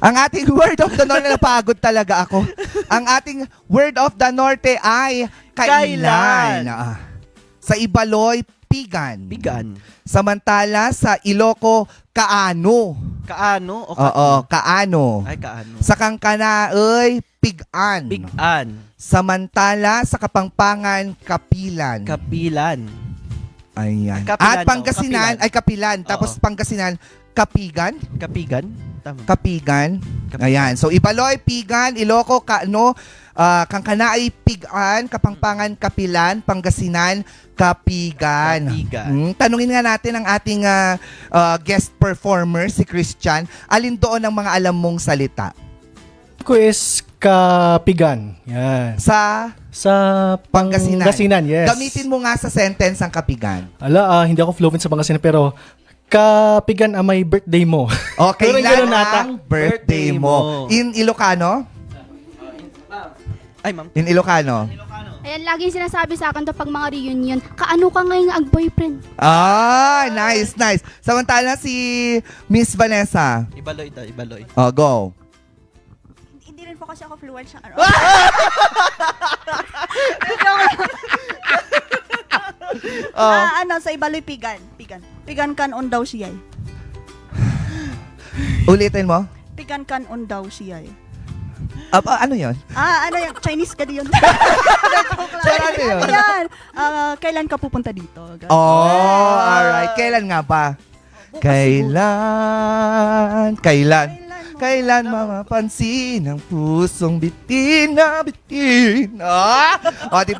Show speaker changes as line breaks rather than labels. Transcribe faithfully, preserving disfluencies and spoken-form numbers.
Ang ating word of the norte, napagod talaga ako. Ang ating word of the norte ay kailan.
Kailan.
Ah. Sa Ibaloy, pigan.
Bigan.
Samantala sa Iloco, kaano.
Kaano o
Oo, kaano.
Ay, kaano.
Sa Kangkanaoy, pigan.
Bigan.
Samantala sa Kapampangan, kapilan.
Kapilan.
Ayan.
Kapilan,
At Pangasinan
oh, kapilan.
ay kapilan. Tapos
Oo.
Pangasinan, kapigan.
Kapigan. Tama.
Kapigan.
Kapigan.
Ayan. So, Ibaloy, Pigan, Iloco, Kaano, uh, Kangkanaay, Pigan, Kapampangan, Kapilan, Pangasinan, Kapigan.
Kapigan.
Hmm, tanungin nga natin ang ating uh, uh, guest performer, si Christian. Alin doon ang mga alam mong salita?
Ko is kapigan. Yan.
Sa
Sa
Pangasinan.
Pangasinan, yes.
Gamitin mo nga sa sentence ang kapigan.
Ala, ah, hindi ako fluent sa Pangasinan pero kapigan ang may birthday mo.
O,
Pero
kailan
ganun nata.
ang birthday mo? In Ilocano?
Ay, ma'am.
In Ilocano?
Ayan, laging sinasabi sa akin to pag mga reunion, kaano ka ngayon ang boyfriend?
Ah, nice, nice. Samantala si Miss Vanessa.
Ibaloy daw, ibaloy.
Oh, go.
Hindi rin po kasi ako fluent sa ano.
Oh.
Ah, ano, sa Ibaloy, pigan. Pigan. Pigan kan on daw siya.
Ulitin mo.
Pigan kan on daw siya.
Ah, ah, ano yun?
Ah, ano yung Chinese ka yun?
Sir, ano yun?
Yan. Ah, kailan ka pupunta dito? Ganun.
Oh, alright. Kailan nga ba?
Bukas
Kailan? Kailan?
mo?
Kailan mapapansin ang pusong bitin na bitin? Ah! O, di ba?